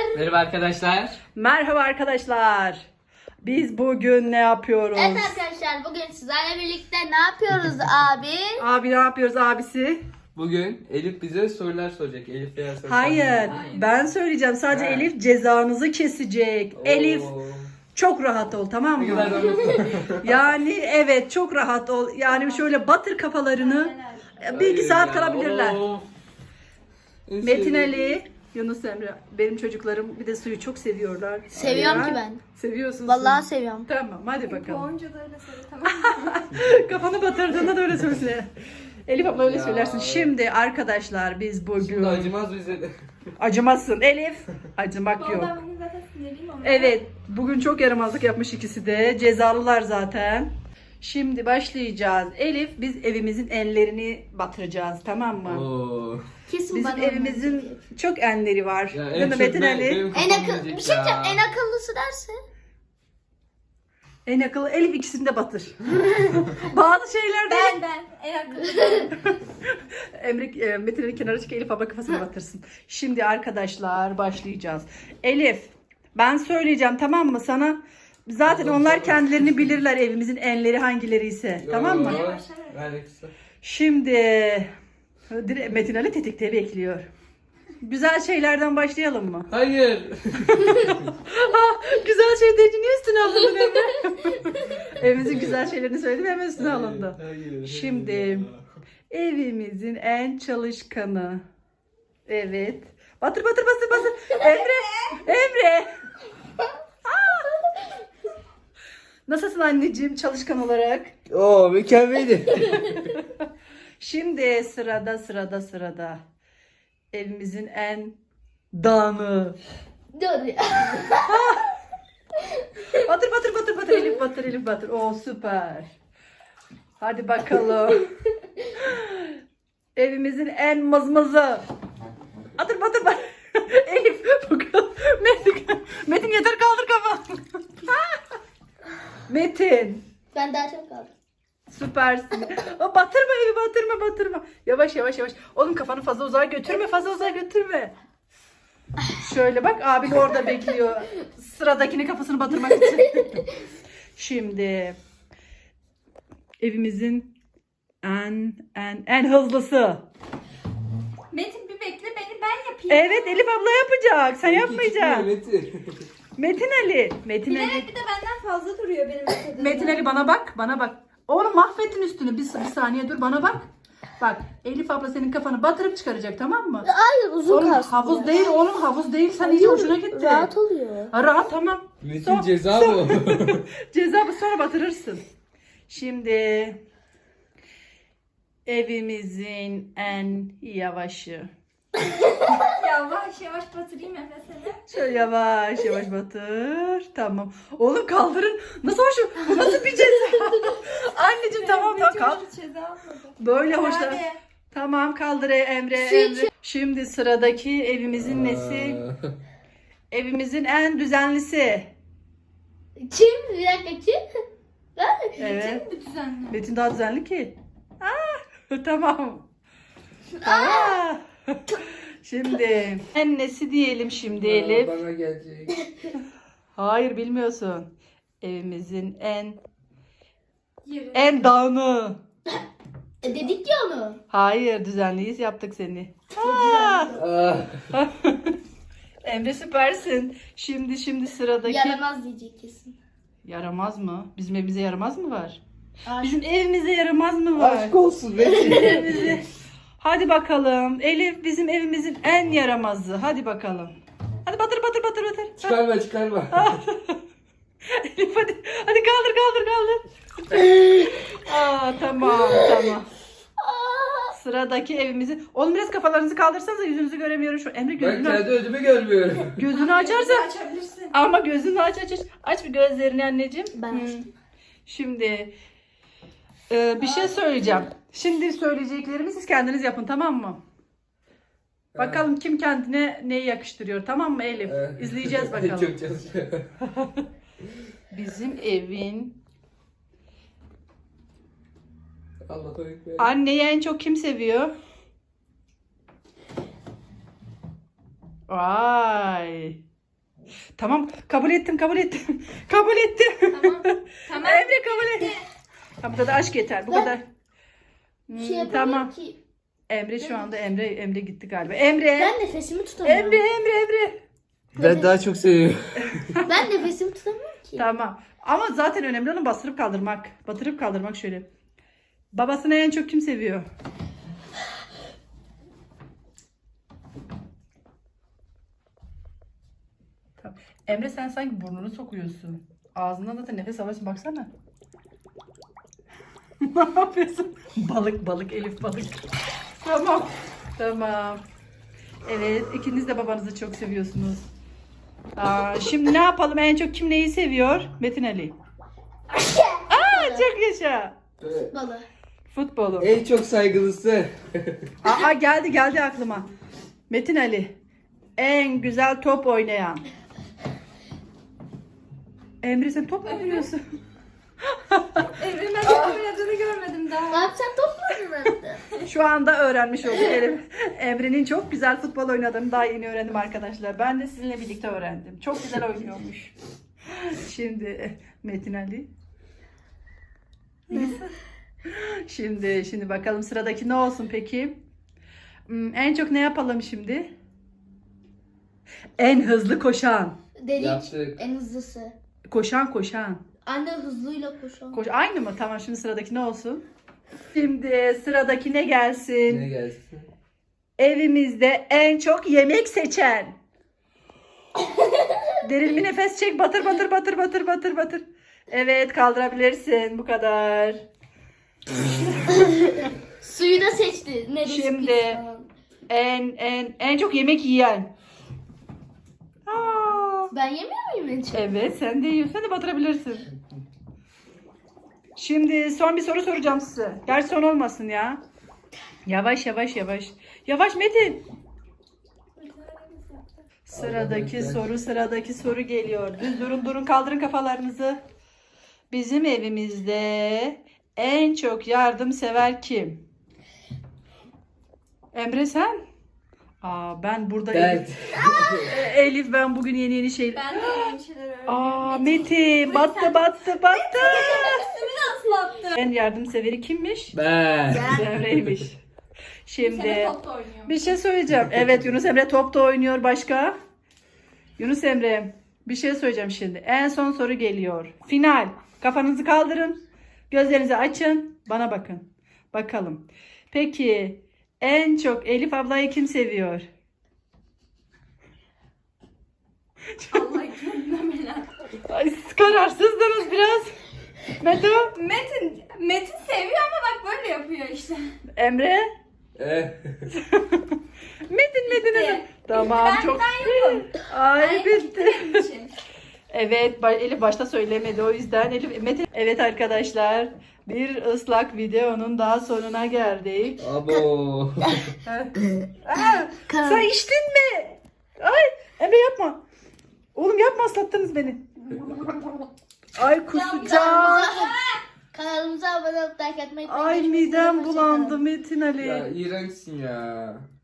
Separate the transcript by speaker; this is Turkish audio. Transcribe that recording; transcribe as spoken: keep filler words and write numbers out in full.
Speaker 1: Merhaba arkadaşlar.
Speaker 2: Merhaba arkadaşlar. Biz bugün ne yapıyoruz?
Speaker 3: Evet arkadaşlar, bugün sizlerle birlikte ne yapıyoruz abi?
Speaker 2: Abi ne yapıyoruz abisi?
Speaker 1: Bugün Elif bize sorular soracak. Elif veya soru
Speaker 2: Hayır,
Speaker 1: sormayacak.
Speaker 2: ben söyleyeceğim. Sadece
Speaker 1: Ha.
Speaker 2: Elif cezanızı kesecek.
Speaker 1: Oo.
Speaker 2: Elif çok rahat ol, tamam
Speaker 1: Ne
Speaker 2: mı?
Speaker 1: kadar da mutlu.
Speaker 2: Yani evet, çok rahat ol. Yani şöyle batır kafalarını. Bir iki
Speaker 1: Hayır
Speaker 2: saat
Speaker 1: ya,
Speaker 2: kalabilirler.
Speaker 1: oo. En
Speaker 2: Metin
Speaker 1: sevdiğim-
Speaker 2: Ali, Yunus Emre. Benim çocuklarım bir de suyu çok seviyorlar.
Speaker 3: Seviyorum
Speaker 2: Ya.
Speaker 3: ki ben.
Speaker 2: Seviyorsun.
Speaker 3: Vallahi
Speaker 2: suyu.
Speaker 3: seviyorum.
Speaker 2: Tamam, hadi bakalım.
Speaker 4: Bonca da öyle söyle, tamam mı?
Speaker 2: Kafanı batırdığında da öyle söyle. Elif abla öyle
Speaker 1: Ya.
Speaker 2: söylersin. Şimdi arkadaşlar biz bugün...
Speaker 1: Şimdi acımaz bize de.
Speaker 2: Acımazsın Elif. Acımak yok.
Speaker 4: Vallahi bugün zaten sinirliyim ama.
Speaker 2: Evet, bugün çok yaramazlık yapmış ikisi de. Cezalılar zaten. Şimdi başlayacağız. Elif, biz evimizin enlerini batıracağız, tamam mı?
Speaker 1: Oo.
Speaker 3: Kesin
Speaker 2: Bizim
Speaker 3: bana
Speaker 2: evimizin çok enleri var.
Speaker 1: Ya
Speaker 2: Değil mi
Speaker 1: çok
Speaker 2: Metin
Speaker 1: ben-
Speaker 2: Ali?
Speaker 1: benim
Speaker 3: en
Speaker 1: kafam
Speaker 3: akıllı
Speaker 1: yiyecek
Speaker 3: bir şey
Speaker 1: ya.
Speaker 3: diyeceğim, en akıllısı derse.
Speaker 2: En akıllı Elif, ikisini de batır. Bazı şeylerde
Speaker 4: Ben ben en akıllı.
Speaker 2: Emre, e, Metin Ali kenara çık, Elif abla kafasına batırsın. Şimdi arkadaşlar başlayacağız. Elif, ben söyleyeceğim, tamam mı sana? Zaten
Speaker 1: Tamam,
Speaker 2: onlar
Speaker 1: tamam.
Speaker 2: kendilerini bilirler, evimizin enleri hangileri ise. Tamam mı?
Speaker 1: Yo, ver kısa.
Speaker 2: Şimdi direkt Metin Ali tetikte bekliyor. Güzel şeylerden başlayalım mı?
Speaker 1: Hayır.
Speaker 2: Güzel şey deyince niye üstüne alındın Emre? Evimizin güzel şeylerini söyledim, hemen üstüne alındı.
Speaker 1: Hayır.
Speaker 2: Şimdi evimizin en çalışkanı. Evet. Batır batır batır batır. Emre. Emre. Aa! Nasılsın anneciğim çalışkan olarak?
Speaker 1: Oo mükemmeldi.
Speaker 2: Şimdi sırada sırada sırada. Evimizin en dağını.
Speaker 3: Dur ya.
Speaker 2: Batır batır batır batır Elif batır Elif batır. Oo süper. Hadi bakalım. Evimizin en mızmızı. Batır batır batır. Elif bakalım. Metin, Metin yeter kaldır kafanı. Metin.
Speaker 3: Ben daha çok kaldım.
Speaker 2: Süpersin. O batırma evi batırma batırma. Yavaş yavaş yavaş. Oğlum kafanı fazla uzağa götürme fazla uzağa götürme. Şöyle bak abin orada bekliyor. Sıradakini kafasını batırmak için. Şimdi evimizin en en en hızlısı.
Speaker 4: Metin bir bekle, beni ben yapayım.
Speaker 2: Evet Elif abla yapacak. Sen yapmayacaksın.
Speaker 1: Metin.
Speaker 2: Metin Ali. Metin Ali.
Speaker 4: Bilerek bir de benden fazla duruyor benim metodum.
Speaker 2: Metin Ali bana bak. Bana bak. Oğlum mahvettin üstünü. Bir, bir saniye dur bana bak. Bak Elif abla senin kafanı batırıp çıkaracak, tamam mı?
Speaker 3: Hayır, uzun
Speaker 2: Oğlum
Speaker 3: kalsın.
Speaker 2: havuz değil oğlum havuz değil. Sen iyice hoşuna gitti.
Speaker 3: Rahat oluyor.
Speaker 2: Ha, rahat tamam.
Speaker 1: Metin
Speaker 2: Son-
Speaker 1: ceza
Speaker 2: son-
Speaker 1: bu.
Speaker 2: Ceza bu, sonra batırırsın. Şimdi evimizin en yavaşı.
Speaker 4: Yavaş yavaş batırayım Emre seni.
Speaker 2: Şöyle yavaş yavaş batır. Tamam. Oğlum kaldırın. Nasıl hoş? Bu nasıl bir ceza? Anneciğim tamam tamam
Speaker 4: Metin
Speaker 2: kalk.
Speaker 4: bir ceza almadı.
Speaker 2: Böyle hoşlan.
Speaker 4: Hadi.
Speaker 2: Tamam kaldır e- Emre.
Speaker 3: Su
Speaker 2: Emre. Şimdi sıradaki evimizin nesi?
Speaker 1: Aa.
Speaker 2: Evimizin en düzenlisi.
Speaker 3: Kim? Bir dakika kim? Ben?
Speaker 2: Evet.
Speaker 4: Bir düzenli.
Speaker 2: Metin daha düzenli ki. Aa, tamam. Aa. Şimdi en nesi diyelim şimdi Elif?
Speaker 1: Bana gelecek.
Speaker 2: Hayır bilmiyorsun. Evimizin en
Speaker 4: Yürü.
Speaker 2: en dağını.
Speaker 3: E, dedik ya onu.
Speaker 2: Hayır düzenliyiz yaptık seni. Aa.
Speaker 1: Aa.
Speaker 2: Emre süpersin. Şimdi şimdi sıradaki.
Speaker 3: Yaramaz diyecek kesin.
Speaker 2: Yaramaz mı? Bizim evimize yaramaz mı var?
Speaker 3: Aşk.
Speaker 2: Bizim evimize yaramaz mı var?
Speaker 1: Aşk olsun Metin.
Speaker 2: Evimize. Hadi bakalım. Elif bizim evimizin en yaramazı. Hadi bakalım. Hadi batır batır batır batır.
Speaker 1: Çıkarma çıkarma.
Speaker 2: Elif hadi. Hadi kaldır kaldır kaldır. Aa tamam tamam. Sıradaki evimizi. Oğlum biraz kafalarınızı kaldırsanıza, yüzünüzü göremiyorum şu. Emre
Speaker 1: Ben
Speaker 2: gözünü
Speaker 1: kendi ödümü görmüyorum.
Speaker 2: gözünü açarsa.
Speaker 4: Açabilirsin.
Speaker 2: Ama gözünü aç aç aç. Aç bir gözlerini anneciğim.
Speaker 3: Ben
Speaker 2: Hı.
Speaker 3: açtım.
Speaker 2: Şimdi e, bir şey söyleyeceğim. Şimdi söyleyeceklerimi siz kendiniz yapın, tamam mı? Bakalım kim kendine neyi yakıştırıyor, tamam mı Elif?
Speaker 1: Evet.
Speaker 2: İzleyeceğiz bakalım.
Speaker 1: Çok çalışıyor.
Speaker 2: Bizim evin
Speaker 1: Allah'a ekber.
Speaker 2: anneyi en çok kim seviyor? Vay. Tamam kabul ettim kabul ettim. Kabul ettim.
Speaker 4: Tamam. Tamam.
Speaker 2: Emre kabul et. Tamam, bu kadar aşk yeter. Bu
Speaker 3: Ben-
Speaker 2: kadar. Hmm,
Speaker 3: Bir şey yapamıyorum
Speaker 2: tamam.
Speaker 3: ki.
Speaker 2: Emre şu anda Emre Emre gitti galiba. Emre.
Speaker 3: Ben nefesimi tutamıyorum.
Speaker 2: Emre Emre Emre.
Speaker 1: Ben daha çok seviyorum.
Speaker 3: Ben nefesimi tutamıyorum ki.
Speaker 2: Tamam. Ama zaten önemli olan bastırıp kaldırmak. Batırıp kaldırmak şöyle. Babasını en çok kim seviyor? Tamam. Emre sen sanki burnunu sokuyorsun. Ağzından da nefes alıyorsun. Baksana. Ne yapıyorsun? Balık balık Elif balık. Tamam. Tamam. Evet, ikiniz de babanızı çok seviyorsunuz. Aa, şimdi ne yapalım? En çok kim neyi seviyor? Metin Ali. Aa, çok yaşa.
Speaker 3: Balı.
Speaker 2: Futbolu.
Speaker 1: En çok saygılısı.
Speaker 2: Aa, geldi geldi aklıma. Metin Ali. En güzel top oynayan. Emre sen top mu oynuyorsun?
Speaker 4: Evrim ben top oynadığını görmedim daha.
Speaker 3: Ne yapacaksın, top mu oynadın?
Speaker 2: Şu anda öğrenmiş olduk Elif. Emre'nin çok güzel futbol oynadığını daha yeni öğrendim arkadaşlar. Ben de sizinle birlikte öğrendim. Çok güzel oynuyormuş. Şimdi Metin Ali. Şimdi şimdi bakalım sıradaki ne olsun peki? Hmm, en çok ne yapalım şimdi? En hızlı koşan.
Speaker 3: Dedik.
Speaker 1: Yaptık.
Speaker 3: En hızlısı.
Speaker 2: Koşan koşan.
Speaker 3: Anne hızlıyla koşan.
Speaker 2: Koş aynı mı? Tamam, şimdi sıradaki ne olsun? Şimdi sıradaki ne gelsin?
Speaker 1: Ne gelsin?
Speaker 2: Evimizde en çok yemek seçen. Derin bir nefes çek. Batır batır batır batır batır batır. Evet, kaldırabilirsin. Bu kadar.
Speaker 3: Suyu da seçti. Neresi
Speaker 2: Şimdi-
Speaker 3: pis falan.
Speaker 2: En en en çok yemek yiyen. Aa,
Speaker 3: Ben yemiyor muyum en çok?
Speaker 2: evet, sen de yiyorsun. Sen de batırabilirsin. Şimdi son bir soru soracağım size. Gerçi son olmasın ya. Yavaş yavaş yavaş. Yavaş Metin. Sıradaki soru, sıradaki soru geliyor. Düz durun, durun, kaldırın kafalarınızı. Bizim evimizde en çok yardımsever kim? Emre sen? Aa, ben burada
Speaker 1: Ben.
Speaker 2: Elif, E, Elif ben bugün yeni yeni şey.
Speaker 4: Ben de yeni şeyler öğrendim.
Speaker 2: Aa, Metin battı battı battı.
Speaker 4: Üstümü ıslattı.
Speaker 2: En yardımseveri kimmiş?
Speaker 1: Ben.
Speaker 2: Emre'ymiş. Şimdi
Speaker 4: Sene top da oynuyor.
Speaker 2: bir şey söyleyeceğim. Evet, Yunus Emre top da oynuyor. Başka? Yunus Emre, bir şey söyleyeceğim şimdi. En son soru geliyor. Final. Kafanızı kaldırın. Gözlerinizi açın. Bana bakın. Bakalım. Peki en çok Elif ablayı kim seviyor?
Speaker 4: Allah kendine merak.
Speaker 2: Ay, siz kararsızdınız biraz. Meto,
Speaker 4: Metin, Metin seviyor ama bak böyle yapıyor işte.
Speaker 2: Emre.
Speaker 1: Eh.
Speaker 2: Metin Metin.
Speaker 4: Bitti.
Speaker 2: Tamam,
Speaker 4: Ben-
Speaker 2: çok.
Speaker 4: ben yokum.
Speaker 2: Ay bitti.
Speaker 4: Benim için.
Speaker 2: Evet, ba- Elif başta söylemedi, o yüzden Elif Metin. Evet arkadaşlar, bir ıslak videonun daha sonuna geldik.
Speaker 1: Abo.
Speaker 2: Aa, sen içtin mi? Ay Emre yapma. Oğlum yapma, ıslattınız beni. Ay kusacağım.
Speaker 3: Kanalımıza abone olup like atmayı
Speaker 2: Ay
Speaker 3: unutmayın.
Speaker 2: midem
Speaker 3: Hoşça
Speaker 2: bulandı
Speaker 3: kalın.
Speaker 2: Metin Ali.
Speaker 1: Ya iğrençsin ya.